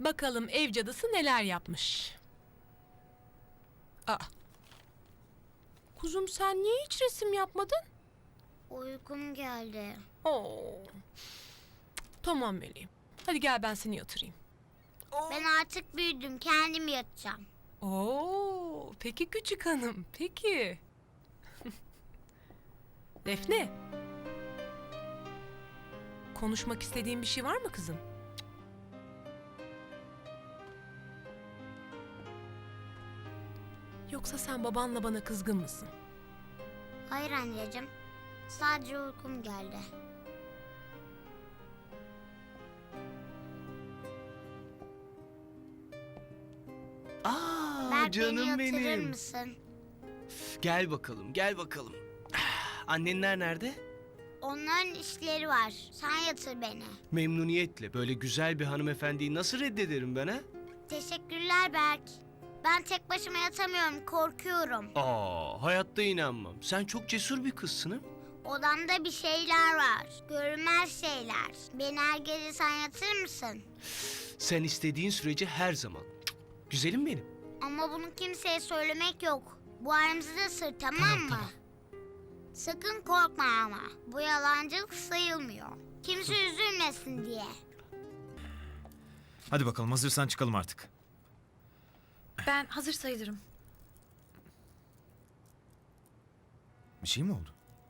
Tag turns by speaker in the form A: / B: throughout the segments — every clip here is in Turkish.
A: Bakalım ev cadısı neler yapmış. Aa. Kuzum sen niye hiç resim yapmadın?
B: Uykum geldi.
A: Oo. Tamam meleğim. Hadi gel ben seni yatırayım.
B: Ben artık büyüdüm. Kendim yatacağım.
A: Oo, peki küçük hanım, peki. Defne. Konuşmak istediğin bir şey var mı kızım? Yoksa sen babanla bana kızgın mısın?
B: Hayır anneciğim. Sadece uykum geldi.
C: Aa,
B: Berk, beni
C: canım
B: yatırır
C: benim.
B: mısın?
C: Gel bakalım, gel bakalım. Annenler nerede?
B: Onların işleri var. Sen yatır beni.
C: Memnuniyetle. Böyle güzel bir hanımefendiyi nasıl reddederim ben ha?
B: Teşekkürler Berk. Ben tek başıma yatamıyorum. Korkuyorum.
C: Hayatta inanmam. Sen çok cesur bir kızsın ha?
B: Odamda bir şeyler var. Görünmez şeyler. Beni her gece sen yatırır mısın?
C: Sen istediğin sürece her zaman. Güzelim benim.
B: Ama bunu kimseye söylemek yok. Bu aramızda sır, tamam mı? Sakın korkma ama. Bu yalancılık sayılmıyor. Kimse üzülmesin diye.
D: Hadi bakalım, hazırsan çıkalım artık.
E: Ben hazır sayılırım.
D: Bir şey mi oldu?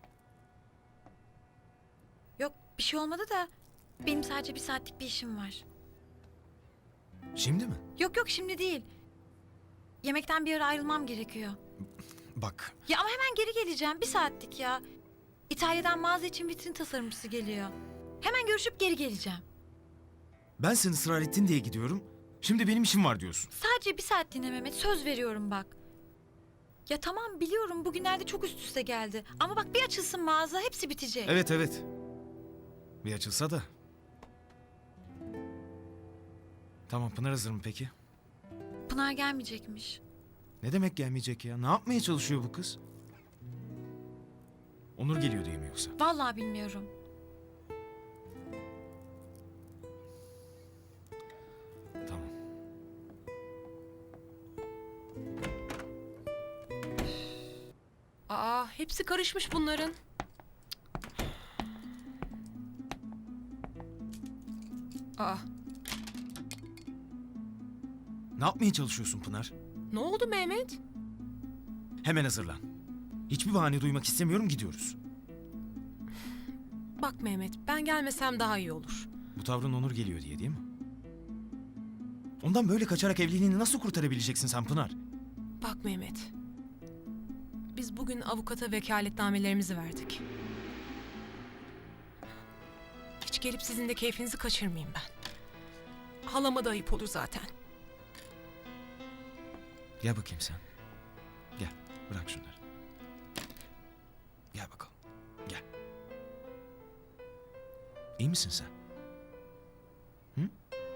E: Yok bir şey olmadı da benim sadece bir saatlik bir işim var.
D: Şimdi mi?
E: Yok şimdi değil. Yemekten bir ara ayrılmam gerekiyor.
D: Bak,
E: Ya ama hemen geri geleceğim. Bir saatlik ya. İtalya'dan mağaza için vitrin tasarımcısı geliyor. Hemen görüşüp geri geleceğim.
D: ben sen ısrar ettin diye gidiyorum. Şimdi benim işim var diyorsun.
E: Sadece bir saatliğine Mehmet, söz veriyorum bak. Ya tamam biliyorum bugünlerde çok üst üste geldi. Ama bak bir açılsın mağaza hepsi bitecek.
D: Evet. Bir açılsa da. Tamam, Pınar hazır mı peki?
E: Pınar gelmeyecekmiş.
D: Ne demek gelmeyecek ya? Ne yapmaya çalışıyor bu kız? Onur geliyor diye mi yoksa?
E: Vallahi bilmiyorum.
D: Tamam.
A: Aa, hepsi karışmış bunların. Aa,
D: Ne yapmaya çalışıyorsun Pınar?
A: ne oldu Mehmet?
D: Hemen hazırlan. Hiçbir bahane duymak istemiyorum, gidiyoruz.
A: Bak Mehmet, ben gelmesem daha iyi olur.
D: Bu tavrın Onur geliyor diye değil mi? Ondan böyle kaçarak evliliğini nasıl kurtarabileceksin sen Pınar?
A: Bak Mehmet, biz bugün avukata vekaletnamelerimizi verdik. Hiç gelip sizin de keyfinizi kaçırmayayım ben. Halama da ayıp olur zaten.
D: Gel bakayım sen. Gel, bırak şunları. Gel bakalım, gel. İyi misin sen? Hı?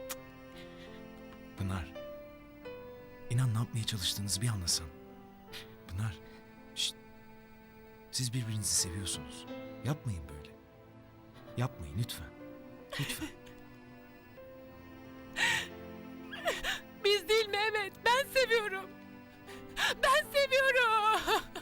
D: Pınar. İnan ne yapmaya çalıştığınızı bir anlasan. Pınar. Şşt. Siz birbirinizi seviyorsunuz. Yapmayın böyle. Yapmayın lütfen. Lütfen.
A: Biz değil Mehmet, ben seviyorum. Ben seviyorum.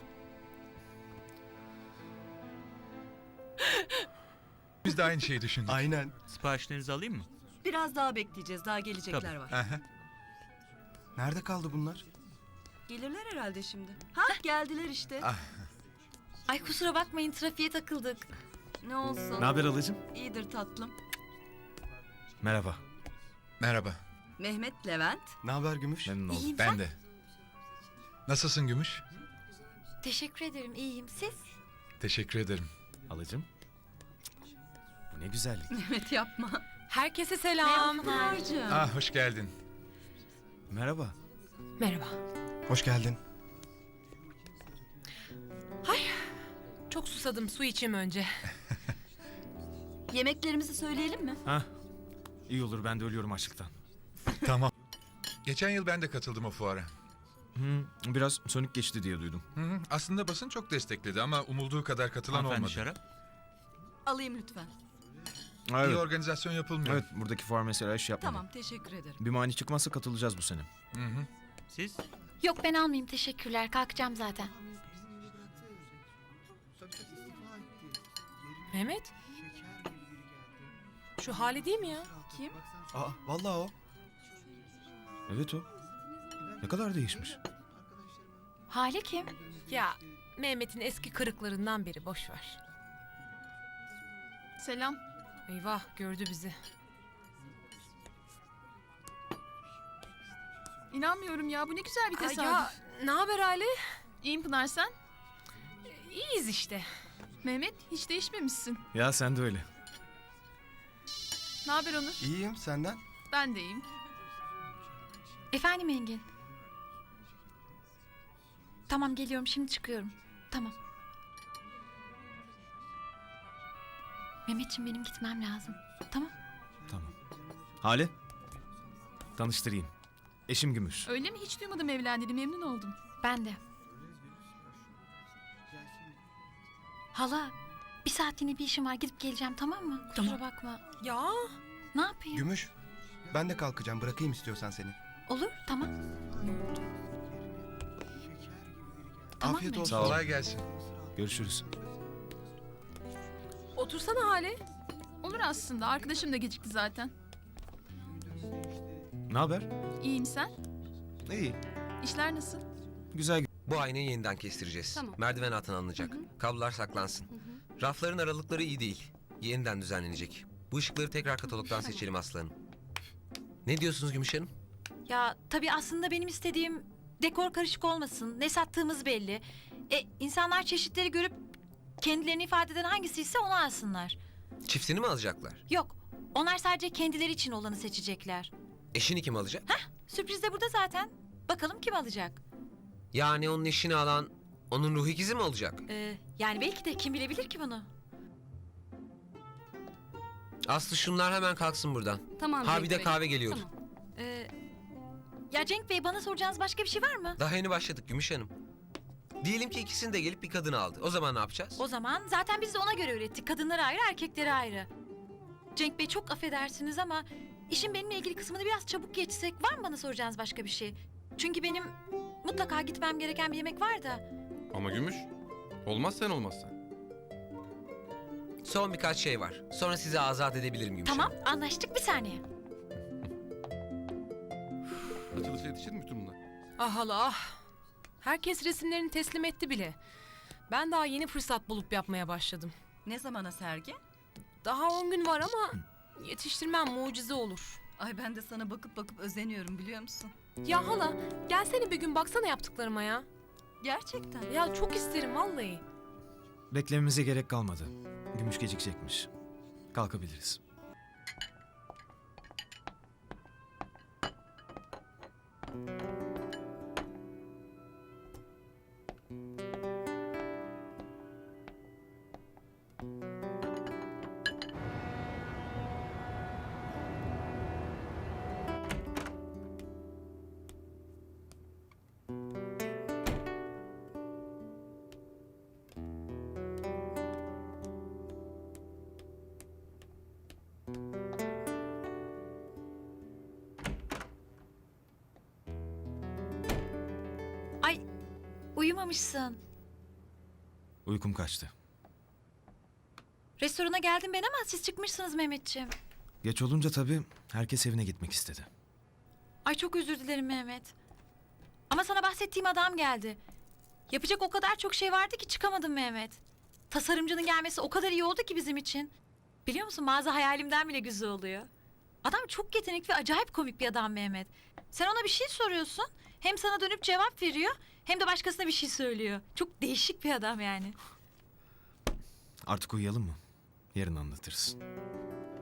F: Biz de aynı şeyi düşündük.
G: Aynen.
H: Siparişlerinizi alayım mı?
I: Biraz daha bekleyeceğiz. Daha gelecekler
H: Tabii.
I: var.
G: Aha.
F: Nerede kaldı bunlar?
I: Gelirler herhalde şimdi. Ha geldiler işte.
E: Ay kusura bakmayın trafiğe takıldık.
I: Ne olsun.
D: Ne haber halacığım?
I: İyidir tatlım.
D: Merhaba.
F: Merhaba.
I: Mehmet, Levent.
G: Ne haber Gümüş?
D: Memnun oldum.
E: İyiyim
F: Ben
E: sen?
F: de. Nasılsın Gümüş?
E: Teşekkür ederim iyiyim. Siz?
F: Teşekkür ederim.
D: Halacığım. Bu ne güzellik.
I: Mehmet yapma.
A: Herkese selam.
I: Pınar'cığım.
F: Hoş geldin.
D: Merhaba.
A: Merhaba.
G: Hoş geldin.
A: Çok susadım, su içeyim önce.
I: Yemeklerimizi söyleyelim mi?
D: Ha? İyi olur, ben de ölüyorum açlıktan.
F: Tamam. Geçen yıl ben de katıldım o fuara.
D: Biraz sönük geçti diye duydum.
F: Hı, aslında basın çok destekledi ama umulduğu kadar katılan
H: Hanımefendi
F: olmadı.
H: şarap.
I: Alayım lütfen.
D: Evet.
F: İyi organizasyon yapılmıyor.
D: Evet, buradaki fuar mesela iş yapmadı.
I: Tamam teşekkür ederim.
D: Bir mani çıkmazsa katılacağız bu sene.
F: Hı hı.
H: Siz?
E: Yok ben almayayım teşekkürler. Kalkacağım zaten.
A: Mehmet. Şu hali değil mi ya?
I: Kim?
G: Aa, vallahi o.
D: Evet o. Ne kadar değişmiş.
E: Hale kim?
A: Ya Mehmet'in eski kırıklarından biri, boş ver.
I: Selam.
A: Eyvah, gördü bizi.
I: İnanmıyorum ya bu ne güzel bir
A: Ay
I: tesadüf.
A: ya, ne haber Ali?
I: İyiyim Pınar sen?
A: İyiyiz işte.
I: Mehmet hiç değişmemişsin.
D: Ya sen de öyle.
I: Ne haber Onur?
G: İyiyim, senden?
I: Ben de iyiyim.
E: Efendim Engin. Tamam geliyorum şimdi çıkıyorum. Tamam. Mehmetciğim benim gitmem lazım. Tamam.
D: Tamam. Hale. Tanıştırayım. Eşim Gümüş.
I: Öyle mi? Hiç duymadım evlendiğini, memnun oldum.
E: Ben de. Hala bir saatliğine bir işim var gidip geleceğim tamam mı? Kusura bakma.
A: Ya
E: Ne yapayım?
G: Gümüş, ben de kalkacağım. Bırakayım istiyorsan seni.
E: Olur tamam. Tamam
G: Afiyet
E: mı?
G: olsun.
D: Sağ ol.
F: Kolay gelsin.
D: Görüşürüz.
A: otursana Hale.
I: Olur aslında, arkadaşım da gecikti zaten.
D: Ne haber?
I: İyiyim sen?
D: İyi.
I: İşler nasıl?
D: Güzel.
J: Bu aynayı yeniden kestireceğiz. Merdiven altına alınacak. Kablolar saklansın. Rafların aralıkları iyi değil. Yeniden düzenlenecek. Bu ışıkları tekrar katalogdan seçelim aslanım. Ne diyorsunuz Gümüş Hanım?
E: Ya tabii aslında benim istediğim dekor karışık olmasın. Ne sattığımız belli. İnsanlar çeşitleri görüp kendilerini ifade eden hangisiyse onu alsınlar.
J: Çiftini mi alacaklar?
E: Yok. Onlar sadece kendileri için olanı seçecekler.
J: Eşini kim alacak?
E: Sürpriz de burada zaten. Bakalım kim alacak?
J: Yani onun eşini alan onun ruh ikizi mi olacak?
E: Yani belki de kim bilebilir ki bunu?
J: Aslı şunlar hemen kalksın buradan.
I: Tamam.
J: Ha bir de kahve geliyor.
E: Ya Cenk Bey bana soracağınız başka bir şey var mı?
J: Daha yeni başladık Gümüş Hanım. Diyelim ki ikisini de gelip bir kadını aldı. O zaman ne yapacağız?
E: O zaman zaten biz de ona göre ürettik. Kadınları ayrı, erkekleri ayrı. Cenk Bey çok affedersiniz ama işin benimle ilgili kısmını biraz çabuk geçsek var mı bana soracağınız başka bir şey? Çünkü benim mutlaka gitmem gereken bir yemek var da.
H: Ama Gümüş. Olmaz sen olmazsan.
J: Son birkaç şey var. Sonra sizi azat edebilirim Gümüş
E: Tamam
J: Hanım.
E: anlaştık bir saniye.
H: Açılışa yetişir mi bütün bunlar?
A: Ah hala ah. Herkes resimlerini teslim etti bile. Ben daha yeni fırsat bulup yapmaya başladım.
I: Ne zamana sergi?
A: Daha 10 gün var ama yetiştirmem mucize olur.
I: Ay ben de sana bakıp bakıp özeniyorum biliyor musun?
A: Ya hala gelsene bir gün baksana yaptıklarıma ya.
I: Gerçekten.
A: Ya çok isterim vallahi.
D: Beklememize gerek kalmadı. Gümüş gecikecekmiş. Kalkabiliriz.
E: Ay uyumamışsın.
D: Uykum kaçtı.
E: Restorana geldim ben ama siz çıkmışsınız Mehmetciğim.
D: Geç olunca tabii herkes evine gitmek istedi.
E: Ay çok özür dilerim Mehmet. Ama sana bahsettiğim adam geldi. Yapacak o kadar çok şey vardı ki çıkamadım Mehmet. Tasarımcının gelmesi o kadar iyi oldu ki bizim için. Biliyor musun mağaza hayalimden bile güzel oluyor. Adam çok yetenekli ve acayip komik bir adam Mehmet. Sen ona bir şey soruyorsun. Hem sana dönüp cevap veriyor hem de başkasına bir şey söylüyor. Çok değişik bir adam yani.
D: Artık uyuyalım mı? Yarın anlatırız.